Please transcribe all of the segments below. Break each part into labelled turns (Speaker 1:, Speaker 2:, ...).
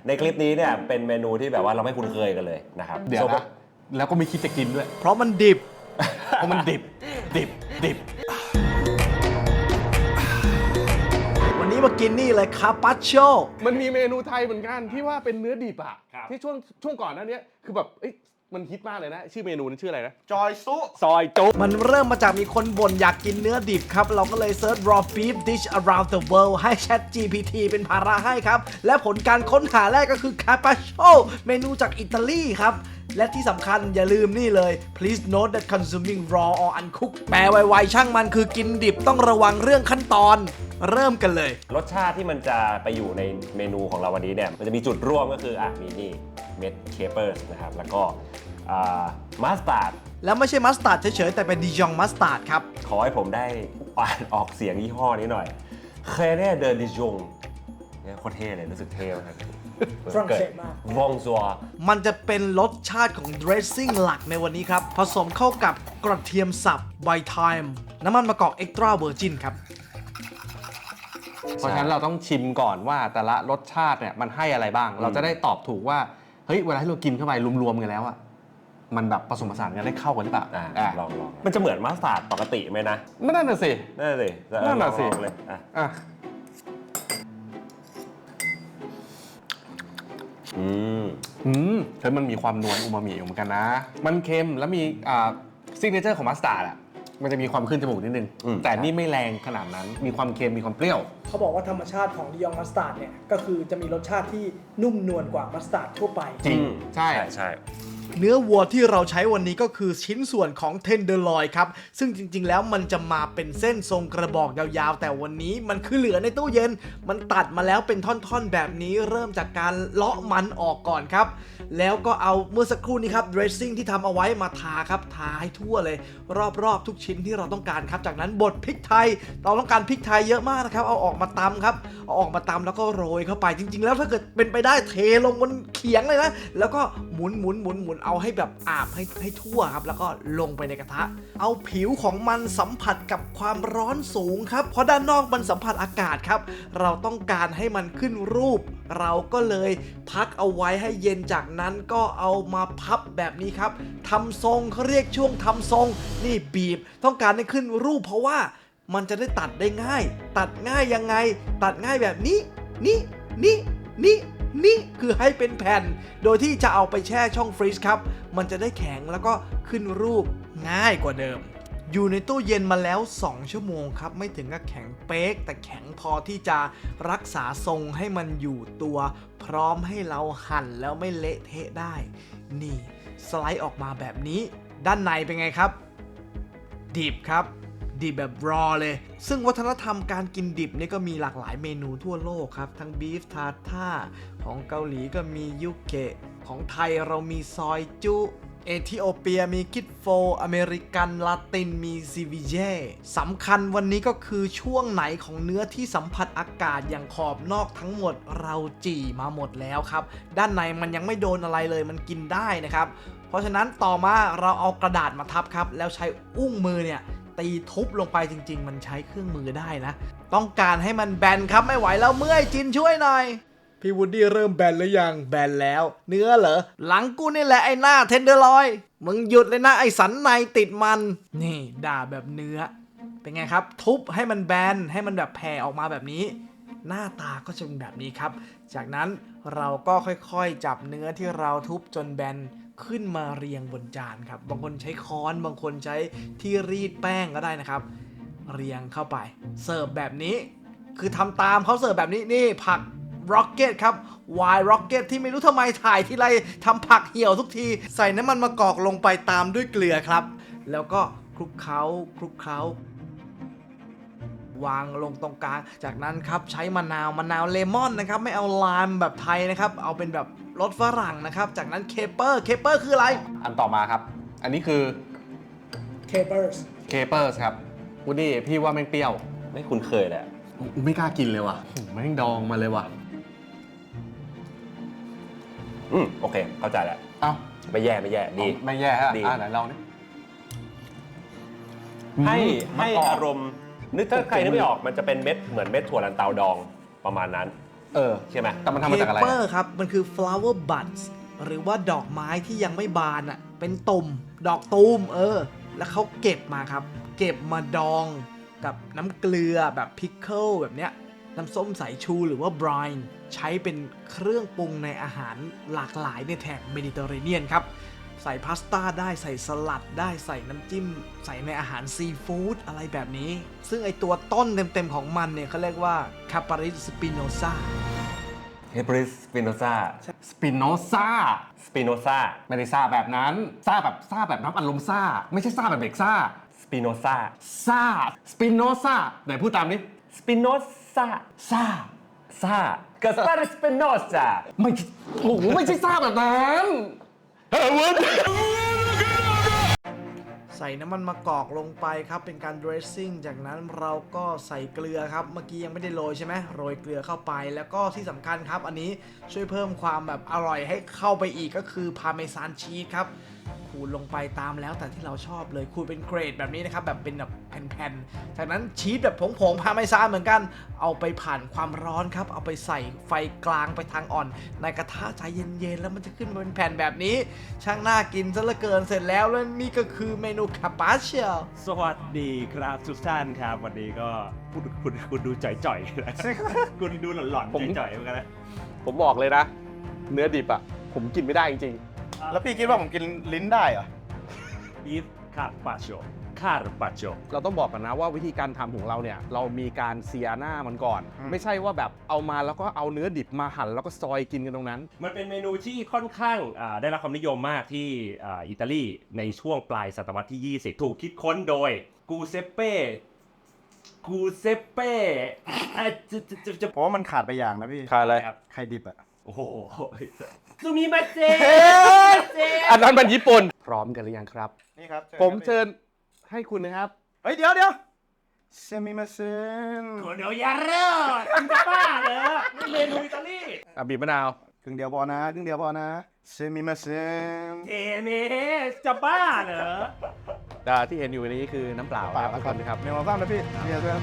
Speaker 1: ในคลิปนี้เนี่ยเป็นเมนูที่แบบว่าเราไม่คุ้นเคยกันเลยนะครับ
Speaker 2: เดี๋ยวนะแล้วก็ไม่คิดจะกินด้วย
Speaker 3: เพราะมันดิบ
Speaker 2: เพราะมันดิบ
Speaker 3: วันนี้มากินนี่เลยคาปาโช
Speaker 2: มันมีเมนูไทยเหมือนกันที่ว่าเป็นเนื้อดิบอะที่ช่วงก่อนหน้านี้คือแบบมันฮิตมากเลยนะชื่อเมนูนั้นชื่ออะไรนะ
Speaker 4: จอยซุ
Speaker 2: ซอยจุ๊
Speaker 3: มันเริ่มมาจากมีคนบ่นอยากกินเนื้อดิบครับ เราก็เลยเซิร์ช raw beef dish around the world ให้ Chat GPT เป็นภาระให้ครับ และผลการค้นหาแรกก็คือ Carpaccio เมนูจากอิตาลีครับ และที่สำคัญอย่าลืมนี่เลย please note that consuming raw or uncooked แปลไวๆช่างมันคือกินดิบต้องระวังเรื่องขั้นตอน เริ่มกันเลย
Speaker 1: รสชาติที่มันจะไปอยู่ในเมนูของเราวันนี้เนี่ยมันจะมีจุดร่วมก็คือมีนี่เม็ดเคเปอร์นะครับแล้วก็มัสตาร์ด
Speaker 3: แล้วไม่ใช่มัสตาร์ดเฉยๆแต่เป็นดิจองมัสตาร์ดครับ
Speaker 1: ขอให้ผมได้อ่านออกเสียงยี่ห้อนี้หน่อยเคเน่เดอดิจงเนี่ยโคตรเท่เลยรู้สึกเท่มาก
Speaker 5: ฝรั่งเศสมาก
Speaker 1: วองซัว
Speaker 3: มันจะเป็นรสชาติของ dressing หลักในวันนี้ครับ ผสมเข้ากับกระเทียมสับไวท์ไทม์น้ำมันมะกอก extra virgin ครับ
Speaker 2: เพราะฉะนั้นเราต้องชิมก่อนว่าแต่ละรสชาติเนี่ยมันให้อะไรบ้าง เราจะได้ตอบถูกว่าเฮ้ยเวลาที่เรากินเข้าไปรวมๆกันแล้วอะมันแบบผสมผสานกันได้เข้ากันหรือเปล่า
Speaker 1: ลองมันจะเหมือนมัสตาร์ดปกติไหมนะ
Speaker 2: ไม่นั่นน่ะสิ
Speaker 1: นั่นสิ
Speaker 2: นั่นน่ะสิ
Speaker 1: ลองเลยอ่ะ
Speaker 2: อ่ะ เฮ้ยมันมีความนวลอูมามิอยู่เหมือนกันนะ มันเค็มแล้วมีซิกเนเจอร์ของมัสตาร์ดอะมันจะมีความขึ้นจมูกนิดนึง แต่นี่ไม่แรงขนาดนั้นมีความเค็มมีความเปรี้ยว
Speaker 5: เขาบอกว่าธรรมชาติของดิยองมัสตาร์ดเนี่ยก็คือจะมีรสชาติที่นุ่มนวลกว่ามัสตาร์ดทั่วไป
Speaker 2: จริงใช่
Speaker 1: ใช่
Speaker 3: เนื้อวัวที่เราใช้วันนี้ก็คือชิ้นส่วนของเทนเดอร์ลอยครับ ซึ่งจริงๆแล้วมันจะมาเป็นเส้นทรงกระบอกยาวๆ แต่วันนี้มันคือเหลือในตู้เย็น มันตัดมาแล้วเป็นท่อนๆแบบนี้เริ่มจากการเลาะมันออกก่อนครับ แล้วก็เอาเมื่อสักครู่นี้ครับ dressing ที่ทำเอาไว้มาทาครับทาให้ทั่วเลย รอบๆทุกชิ้นที่เราต้องการครับ จากนั้นบดพริกไทยเราต้องการพริกไทยเยอะมากนะครับเอาออกมาตำครับเอาออกมาตำแล้วก็โรยเข้าไปจริงๆแล้วถ้าเกิดเป็นไปได้เทลงบนเขียงเลยนะแล้วก็หมุนเอาให้แบบอาบให้ทั่วครับแล้วก็ลงไปในกระทะเอาผิวของมันสัมผัสกับความร้อนสูงครับเพราะด้านนอกมันสัมผัสอากาศครับเราต้องการให้มันขึ้นรูป เราก็เลยพักเอาไว้ให้เย็นจากนั้นก็เอามาพับแบบนี้ครับทำทรงเขาเรียกช่วงทำทรงนี่บีบต้องการให้ขึ้นรูปเพราะว่ามันจะได้ตัดได้ง่าย ตัดง่ายยังไงตัดง่ายแบบนี้นี่คือให้เป็นแผ่นโดยที่จะเอาไปแช่ช่องฟรีซครับมันจะได้แข็งแล้วก็ขึ้นรูปง่ายกว่าเดิมอยู่ในตู้เย็นมาแล้ว2ชั่วโมงครับไม่ถึงกับแข็งเป๊กแต่แข็งพอที่จะรักษาทรงให้มันอยู่ตัวพร้อมให้เราหั่นแล้วไม่เละเทะได้นี่สไลด์ออกมาแบบนี้ด้านในเป็นไงครับดิบครับดิบแบบรอเลยซึ่งวัฒนธรรมการกินดิบนี่ก็มีหลากหลายเมนูทั่วโลกครับทั้งบีฟทาท่าของเกาหลีก็มียุเกะของไทยเรามีซอยจุเอธิโอเปียมีคิดโฟอเมริกันลาตินมีซีวิเย่สำคัญวันนี้ก็คือช่วงไหนของเนื้อที่สัมผัสอากาศอย่างขอบนอกทั้งหมดเราจี่มาหมดแล้วครับด้านในมันยังไม่โดนอะไรเลยมันกินได้นะครับเพราะฉะนั้นต่อมาเราเอากระดาษมาทับครับแล้วใช้อุ้งมือเนี่ยตีทุบลงไปจริงๆมันใช้เครื่องมือได้นะต้องการให้มันแบนครับไม่ไหวแล้วเมื่อยจินช่วยหน่อยพี่วูดดี้เริ่มแบนหรือยังแบนแล้วเนื้อเหรอหลังกูนี่แหละไอ้หน้าเทนเดอร์ลอยมึงหยุดเลยนะไอ้สันในติดมันนี่ด่าแบบเนื้อเป็นไงครับทุบให้มันแบนให้มันแบบแผ่ออกมาแบบนี้หน้าตาก็จะเป็นแบบนี้ครับจากนั้นเราก็ค่อยๆจับเนื้อที่เราทุบจนแบนขึ้นมาเรียงบนจานครับบางคนใช้ค้อนบางคนใช้ที่รีดแป้งก็ได้นะครับเรียงเข้าไปเสิร์ฟแบบนี้คือทำตามเขาเสิร์ฟแบบนี้นี่ผักร็อกเก็ตครับวายร็อกเก็ตที่ไม่รู้ทำไมถ่ายทีไรทำผักเหี่ยวทุกทีใส่น้ำมันมะกอกลงไปตามด้วยเกลือครับแล้วก็คลุกเคล้าวางลงตรงกลางจากนั้นครับใช้มะนาวเลมอนนะครับไม่เอาไลม์แบบไทยนะครับเอาเป็นแบบรสฝรั่งนะครับจากนั้นเคเปอร์คืออะไร
Speaker 2: อันต่อมาครับอันนี้คือ
Speaker 5: เคเบิร์ส
Speaker 2: เคเปอร์สครับวูดดี้พี่ว่าแม่งเปรี้ยว
Speaker 1: ไม่คุ้นเคยแหละ
Speaker 2: ไม่กล้ากินเลยว่ะแม่งดองมาเลยว่ะ
Speaker 1: โอเคเข้าใจแล้ว
Speaker 2: เอ้า
Speaker 1: ไม่แย่ดี
Speaker 2: ไม่แย่ฮะ
Speaker 1: ดี
Speaker 2: ไหนลองดิ
Speaker 1: ให้อารมณ์นึกถ้าใครนึกไม่ออกมันจะเป็นเม็ดเหมือนเม็ดถั่วลันเตาดองประมาณนั้นใช่ไหม
Speaker 2: แต่มันทำมาจากอะไร
Speaker 3: เคเปอร์ครับ มันคือ flower buds หรือว่าดอกไม้ที่ยังไม่บานอ่ะ เป็นตุ่ม ดอกตูมแล้วเขาเก็บมาครับ เก็บมาดองกับน้ำเกลือแบบพิคเกิลแบบเนี้ย น้ำส้มสายชูหรือว่าบรายน์ใช้เป็นเครื่องปรุงในอาหารหลากหลายในแถบเมดิเตอร์เรเนียนครับ ใส่พาสต้าได้ใส่สลัดได้ใส่น้ำจิ้ม ใส่ในอาหารซีฟู้ดอะไรแบบนี้ ซึ่งไอตัวต้นเต็มๆของมันเนี่ยเขาเรียกว่าคาปาริสปิโนซา
Speaker 1: เฮปริสสปิโนซา
Speaker 2: สปิโนซา
Speaker 1: สปิโนซา
Speaker 2: ไม่ได้ซ่าแบบนั้นซ่าแบบน้ำอัดลมซ่า ไม่ใช่ซ่าแบบเด็กซ่า
Speaker 1: สปิโนซา
Speaker 2: ซ่าสปิโนซาไหนพูดตามนี้
Speaker 1: สปิโนซา
Speaker 2: ซ่า
Speaker 1: ซากัสปาร์สปิโนซา
Speaker 2: ไม่โอ้โหไม่ใช่ซ่าแบบนั้นเฮ้ยวุ้น
Speaker 3: ใส่น้ำมันมะกอกลงไปครับเป็นการ dressing จากนั้นเราก็ใส่เกลือครับเมื่อกี้ยังไม่ได้โรยใช่ไหมโรยเกลือเข้าไปแล้วก็ที่สำคัญครับอันนี้ช่วยเพิ่มความแบบอร่อยให้เข้าไปอีกก็คือพาเมซานชีสครับขูดลงไปตามแล้วแต่ที่เราชอบเลยขูดเป็นเกรดแบบนี้นะครับแบบเป็นแบบแผ่นๆจากนั้นชีสแบบผงๆพาเมซานเหมือนกันเอาไปผ่านความร้อนครับเอาไปใส่ไฟกลางไปทางอ่อนในกระทะใจเย็นๆแล้วมันจะขึ้นมาเป็นแผ่นแบบนี้ช่างน่ากินซะเหลือเกินเสร็จแล้วแล้วนี่ก็คือเมนูคาปาเชีย
Speaker 4: สวัสดีครับทุกท่านครับ วันนี้ก็คุณดูจ่อยๆนะ คุณดูหลอนๆจ่อยๆเหมือนกันนะ
Speaker 2: ผมบอกเลยนะ เนื้อดิบอ่ะ ผมกินไม่ได้จริง
Speaker 6: แล้วพี่คิดว่าผมกินลิ้นได้เหรอ
Speaker 4: บีฟคาร์ปาโช
Speaker 2: ๆ เราต้องบอกกันนะว่าวิธีการทำของเราเนี่ย เรามีการเซียหน้ามันก่อน ไม่ใช่ว่าแบบเอามาแล้วก็เอาเนื้อดิบมาหั่นแล้วก็ซอยกินกันตรงนั้น
Speaker 4: มันเป็นเมนูที่ค่อนข้างได้รับความนิยมมากที่อิตาลีในช่วงปลายศตวรรษที่ 20 ถูกคิดค้นโดยกูเซเป้จะ
Speaker 6: เพราะว่ามันขาดไปอย่างนะพี่
Speaker 2: ขาดอะไร
Speaker 4: ครับ
Speaker 6: ไข่ดิบอะ
Speaker 4: โอ้โหซูมิมาเจ
Speaker 2: อันนั้นมันญี่ปุ่น พร้อมกันหรือยังครับ
Speaker 6: นี่ครับ
Speaker 2: ผมเชิญให้คุณนะครับ
Speaker 6: เฮ้ยเดี๋ยวเซมิมาเซน
Speaker 4: โคโนยาเร่คุณจะบ้าเหรอนี่เมนูอิตาลี
Speaker 2: บีบมะนาว
Speaker 6: ครึ่งเดียวพอนะเซมิมาเซน
Speaker 4: เอเมจะบ้าเหรอ
Speaker 2: ที่เห็นอยู่นี้คือน้ำเปล่าครับทุกคนนะครับ
Speaker 6: เมนูบ้างนะพี่เนี่ยเพื่อน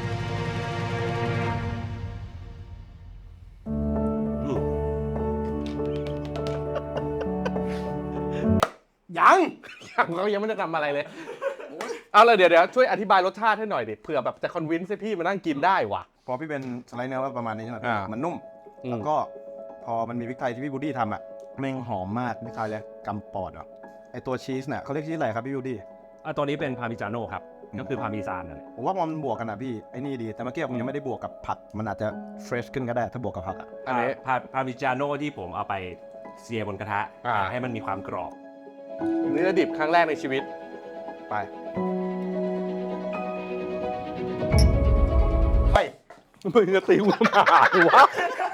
Speaker 6: ยัง
Speaker 2: เรายังไม่ได้ทำอะไรเลย เอาเลยเดี๋ยวช่วยอธิบายรสชาติให้หน่อยดิเผื่อแบบจะคอนวินส์ให้พี่มานั่งกินได้ว่ะ
Speaker 6: พอพี่เป็นสไลด์เนื้อว่าประมาณนี้ใช่ไหมพี่ มันนุ่ม
Speaker 2: อืม
Speaker 6: แล้วก็พอมันมีพริกไทยที่พี่บูดี้ทำอะแม่งหอมมากพริกไทยเลยกำปอดอ่ะไอตัวชีสเนี่ยเขาเรียกชีสอะไรครับพี่บูดี้
Speaker 4: ตัวนี้เป็นพาร์มิจาโน่ครับ ก็คือพาร์มิซานนั่นแหละ
Speaker 6: ผมว่ามันบวกกันอ่ะพี่ไอ้นี่ดีแต่เมื่อกี้ผมยังไม่ได้บวกกับผักมันอาจจะเฟรชขึ้นก็ได้ถ้าบวกกับผักอ่ะ
Speaker 2: อันนี้
Speaker 4: พาร์มิจาโน่ที่ผมเอาไปเซียบนกระทะ ให้มันมีความกรอบ
Speaker 2: เนื้อดิบครั้งแรกในชีวิต
Speaker 6: ไปไป
Speaker 2: มึงจะตีกูทำไมวะ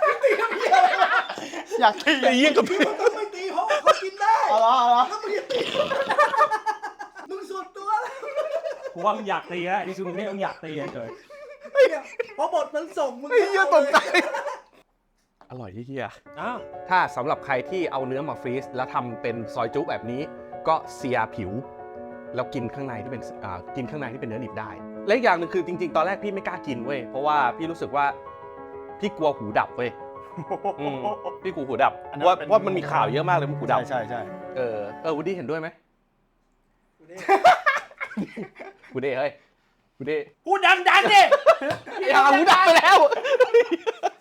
Speaker 6: อยากตี
Speaker 2: ไอ้เหี้ยกับพี่
Speaker 3: ไม่ตีเพราะว่าเขากินได้
Speaker 6: เอาละ
Speaker 3: แล้วมึงจะตีมึงส่วนตัวแล้ว
Speaker 4: เพราะว่ามึงอยากตีฮะดิซูนี่มึงอยากตีเลย
Speaker 3: เพราะบทมันส่งมึง
Speaker 6: ไอ้เหี้ยตกใจ
Speaker 2: อร่อยที่เฮีย
Speaker 4: อ้าว
Speaker 2: ถ้าสำหรับใครที่เอาเนื้อมาฟรีซแล้วทำเป็นซอยจุ๊แบบนี้ ก็เซียผิว แล้วกินข้างในที่เป็นกินข้างในที่เป็นเนื้อดิบได้ และอีกอย่างหนึ่งคือจริงๆ ตอนแรกพี่ไม่กล้ากินเว้ยเพราะว่าพี่รู้สึกว่าพี่กลัวหูดับเว้ยพี่กลัวหูดับว่ามันมีข่าวเยอะมากเลยมันหูดับ
Speaker 6: ใช่
Speaker 2: วูดดี้เห็นด้วยไหมวูดดี้เฮ้ยวูดดี้
Speaker 4: พูดดังๆดิ
Speaker 2: อย่าหูดับไปแล้ว